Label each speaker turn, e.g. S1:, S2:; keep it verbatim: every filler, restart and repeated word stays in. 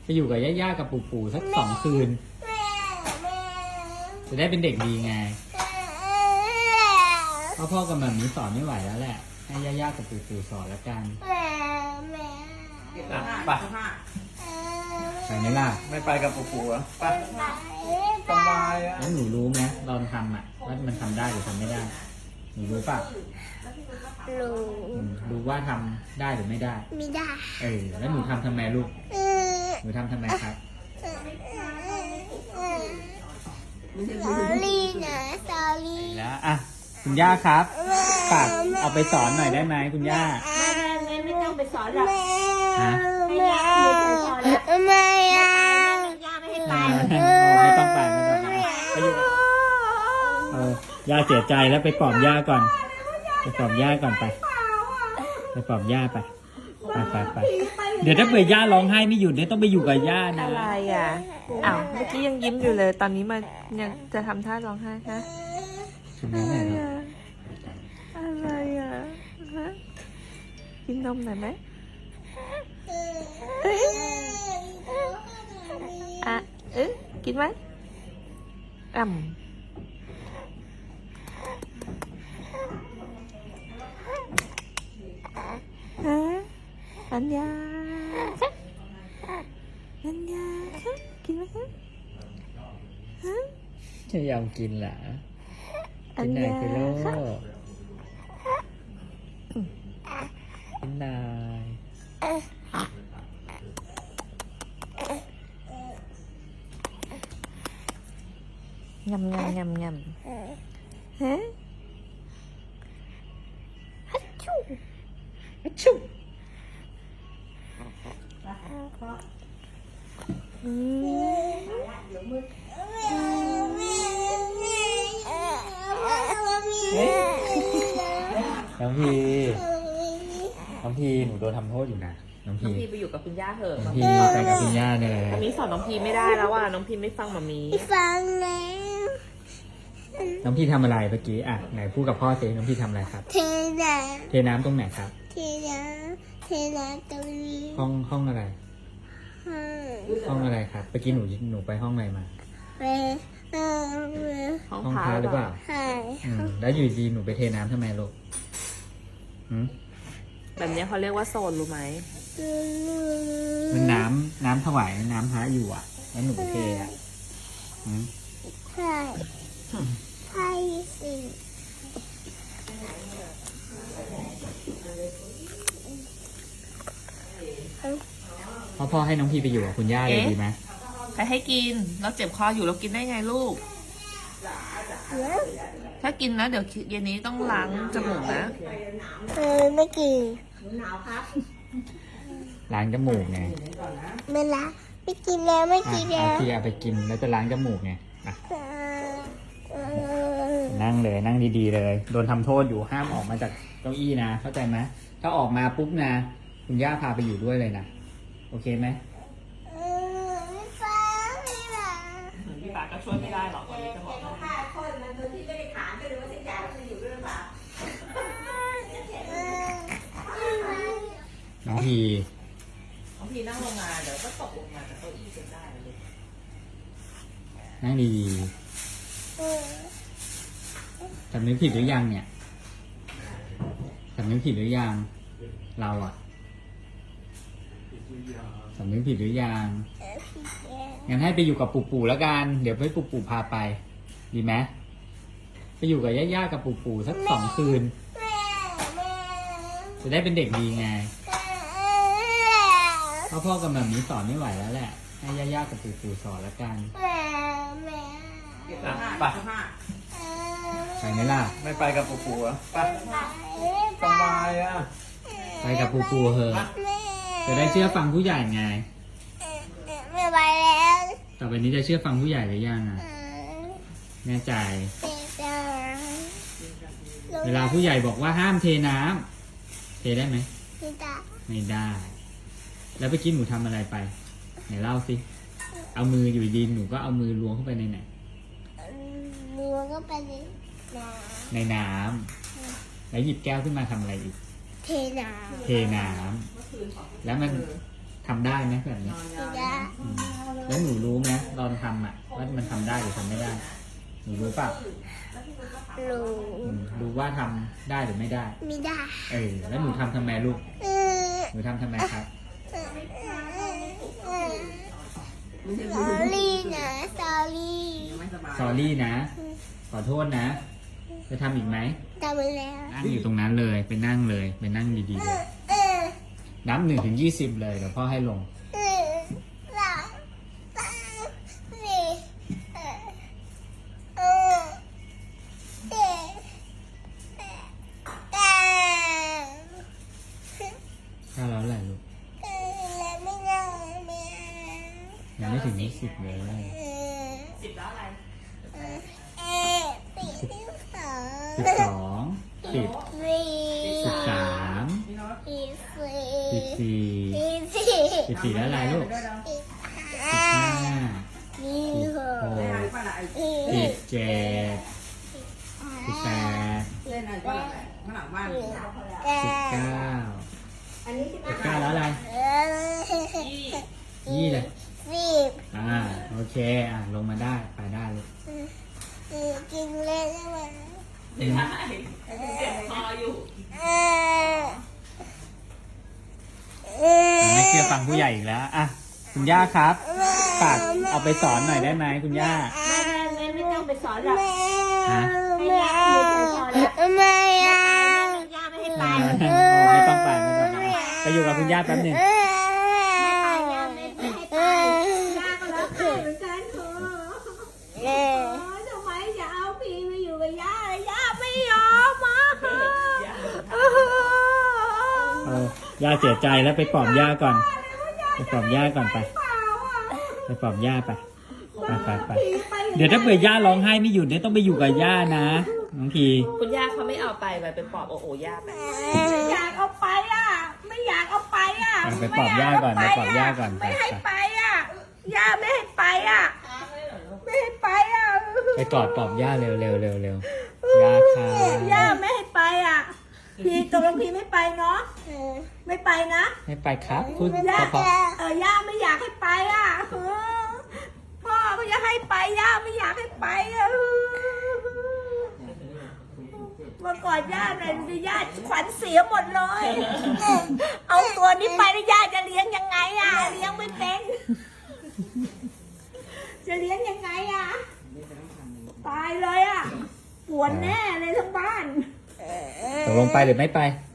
S1: ไปอยู่กับย่าๆกับปู่ๆสักสองคืนจะได้เป็นเด็กดีไงพ่อพ่อกับแบบนี้สอนไม่ไหวแล้วแหละให้ย่าๆกับปู่ๆสอนแล้วกันไปไปไหมล่ะไม่ไปกับปู่ๆอ่ะไปสบายอ่ะแล้วหนูรู้ไหมตอนทำอ่ะว่ามันทำได้หรือทำไม่ได้หนูรู้ป่ะ
S2: รู้
S1: รู้ว่าทำได้หรือไม่ได้
S2: ไม่ได้
S1: เออแล้วหนูทำทำไมลูกหนูทำทำไมครับ
S2: สอรี่นะสอรี่
S1: แล้วอ่ะคุณย่าครับฝากเอาไปสอนหน่อยได้ไหมคุณย่า
S3: แม่ไม่ต้องไปสอนหรอก
S1: ฮะ
S2: ไม่อะ
S3: ย่าไม่ให้ไป
S1: ไม่ต้องไปไม่ต้องไปไปอยู่เออย่าเสียใจแล้วไปปลอบย่าก่อนไปปลอบย่าก่อนไปไปปลอบย่าไปไปไปไปเดี๋ยวถ้าเผื่อย่าร้องไห้ไม่หยุดเนี่ยต้องไปอยู่กับย่านะ
S4: อะไรอ่ะอ้าวเมื่อกี้ยังยิ้มอยู่เลยตอนนี้มายังจะทำท่าร้องไห้ฮะอะไรอ่ะอะไรอ่ะฮะกินนมหน่อยไหมอ่ะเอ๊ะกินไหมอ่ำฮะอัญญาอัญญากินไหมฮะฮะ
S1: จะยอมกินเหรอกินไหนไปโลกินไหน
S4: ยำยำยำยำฮะฮัชชูฮัชชูอื
S1: น้องพีน้องพีหนูโดนทำโทษอยู่นะน้องพี
S4: น้องพีไปอยู่กับคุณย่าเถอะ
S1: น้องพีไปกับคุณย่าเลย
S4: มามีสอนน้องพีไม่ได้แล้วว่ะน้องพีไม่ฟังมามี
S2: ฟังแล้ว
S1: น้องพี่ทำอะไรเมื่อกี้อ่ะไหนพูดกับพ่อสิน้องพี่ทำอะไรครับ
S2: เทน้
S1: ำเทน้ำตรงไหนครับ
S2: เทน้ำเทน้ำตรงนี้
S1: ห้องห้องอะไรห้องอะไรครับเมื่อกี้หนูหนูไปห้องอะไรมา
S2: ไปห้อง
S1: ห้องพระหรือเปล่า
S2: ใช่
S1: แล้วอยู่ดีหนูไปเทน้ำทำไมลูก
S4: แบบนี้เขาเรียกว่าโซนรู้ไหม
S1: มันน้ำน้ำถวายน้ำพระอยู่อ่ะแล้วหนูเทอ่ะ
S2: ใช่ใช่สิ
S1: พ่อพ่อให้น้องพี่ไปอยู่กับคุณย่าเลยดีไหม
S4: ใครให้กินเราเจ็บคออยู่เรากินได้ไงลูกถ้ากินนะเดี๋ยวเย็นนี้ต้องล้างจมูกนะ
S2: เออไม่กิน
S1: ล้างจมูกไง
S2: ไม่ละไม่กินแล้วไม่กินแล้ว
S1: พี่เอาไปกินแล้วจะล้างจมูกไงนั่งเลยนั่งดีๆเลยโดนทำโทษอยู่ห้ามออกมาจากเก้าอี้นะเข้าใจไหมถ้าออกมาปุ๊บนะคุณย่าพาไปอยู่ด้วยเลยนะโอเคไหม
S2: ไม่ฟังไม่ละ
S4: พี่ปาก็ช่วยไม่ได้หรอกวันนี้จะบอก
S3: ฆ่าคนมันโดยที่ไม่ได้ถามก็เลยว่าสัญญาจะอยู่ด้วยหรือเปล่า
S1: น้องพี
S4: น้องพีนั่งลงมาเดี๋ยวก็ตกลงมาจากเก้าอี้จนได้เลย
S1: นั่งดีๆสำนึกผิดหรือยังเนี่ยสำนึกผิดหรือยังเราอะสำนึกผิดหรือยังงั้นให้ไปอยู่กับปู่ๆแล้วกันเดี๋ยวให้ปู่ๆพาไปดีไหมไปอยู่กับย่าๆกับปู่ๆสักสองคืนจะได้เป็นเด็กดีไงพ่อพ่อกับแบบนี้สอนไม่ไหวแล้วแหละให้ย่าๆกับปู่ๆสอนแล้วกันไปไปไหมล่ะไม่ไปกับปู่ๆอ่ะไปสบายอ่ะไปกับปู่ๆเถอะจะได้เชื่อฟังผู้ใหญ่ไง
S2: ไม่ไปแล้ว
S1: ต่อไปนี้จะเชื่อฟังผู้ใหญ่หรือยังอ่ะแน่ใจเวลาผู้ใหญ่บอกว่าห้ามเทน้ำเทได้ไหม
S2: ไม่ได้
S1: ไม่ได้แล้วเมื่อกี้หนูทำอะไรไปไหนเล่าสิเอามืออยู่ดีหนูก็เอามือล้วงเข้าไปในไหน
S2: ล้วงเข้าไปในน้
S1: ำในน้ำแล้วหยิบแก้วขึ้นมาทำอะไรอีก
S2: เทน้ำ
S1: เทน้ำแล้วมันทำได้ไหมแบบนี้
S2: ไม่ได้
S1: ไแล้วหนูรู้ไหมตอนทำอ่ะว่ามันทำได้หรือทำไม่ได้ หนูรู้เปล่า
S2: รู้
S1: อืมรู้ว่าทำได้หรือไม่ได้
S2: ไม่ได้
S1: เออแล้วหนูทำทำไมลูก
S2: เออ
S1: หนูทำทำไมครับ
S2: สอรี่นะสอรี่
S1: สอรี่นะ ขอโทษนะ จะทำอีกไหม
S2: ทำไปแล้ว
S1: นั่งอยู่ตรงนั้นเลยไปนั่งเลยไปนั่งดีๆเลย
S2: เออ
S1: นับหนึ่งถึงยี่สิบเลยเดี๋ยวพ่อให้ลง
S2: เออสองสามสี่เออเออเจ็ดแปดเก้า
S1: ถ้าแล้วแหละลูก
S2: เออแล้วไม่ได้ไม่เอา
S1: ยังไม่ถึงยี่สิบเลย
S2: เออ
S3: สิบแล้วอะไร
S2: เออเออสี่สิบสอง
S1: สิบสองสิบ
S2: สี่
S1: สิบสาม
S2: สี่สี่
S1: สิบสี่
S2: สี่สี่
S1: สิบสี่แล้วอะไรลูก
S2: สิบ
S1: สิบ
S2: ห้า
S1: ห้า
S2: สี่หก
S1: หก
S2: สี่
S1: สิบเจ็ดสิบแปด
S3: เล่นอะไรก็อะไรข้างหลังบ้าน
S2: เก้า
S1: สิบเก้า
S3: อันนี้ที่
S1: สิบเก้าแล้วอะไร
S2: เออ
S1: ยี่เลย
S2: สิบ
S1: อ่าโอเคอ่ะลงมาได้ไปได้เลย
S2: เออกินเลยได้ไหม
S3: เจ็บคออยู่
S2: เออเออ
S1: ไม่เชื่อฟังผู้ใหญ่อีกแล้วอ่ะคุณย่าครับฝากเอาไปสอนหน่อยได้ไหมคุณย่า
S3: ไม่ไม่ไม่ต้องไปสอนหรอก
S2: แม่
S1: ฮะ
S2: แม่แม่อะ
S3: ย่าไม่ให้ไป
S1: เออไม่ต้องไปไม่ต้องไปไปอยู่กับคุณย่าแป๊บหนึ่ง
S2: เออ
S3: ย่าไม่ให้ไปย่าก็รักใครเหมือนกันเถอะ
S2: เออ
S3: ทำไมจะเอาพีไปอยู่กับย่าย่าไม่ยอมมา
S1: เออย่าเสียใจแล้วไปปลอบย่าก่อน ไปปลอบย่าก่อนไป ไปปลอบย่าไปไปไปไปเดี๋ยวถ้าเผื่อย่าร้องไห้ไม่หยุดเนี่ยต้องไปอยู่กับย่านะน้องพี
S4: คุณย่าเขาไม่เอาไปไปเป็นปอบโอโอย่าไป
S3: ไม่อยากเอาไปอ่ะ ไม่อยากเอาไปอ่ะ
S1: ไปปลอบย่าก่อนไปปลอบย่าก่อนไป
S3: ไม่ให้
S1: ไป
S3: ไปอ่ะย่าไม่ให้ไปอ่ะไม่ให้ไปอ่ะ
S1: ไปกอดปลอบย่าเร็วเร็วเร็วเร็วย่าค่ะ
S3: ย่าไม่ให้ไปอ่ะพี่ตกลงพี่ไม่ไปเนาะไม่ไปนะ
S1: ให้ไปครับพูด
S3: ย่า
S1: เพราะ
S3: เออย่าไม่อยากให้ไปอ่ะเออพ่อก็จะให้ไปย่าไม่อยากให้ไปอ่ะเมื่อก่อนย่าเนี่ยย่าขวัญเสียหมดเลย เอาตัวนี้ไปแล้วย่าจะเลี้ยงยังไงอ่ะเลี้ยงไม่เป็น จะเลี้ยงยังไงอ่ะตายเลยอ่ะปวดแน่เลยทั้งบ้าน
S1: ๆตกลงไปหรือไม่ไป
S2: ไ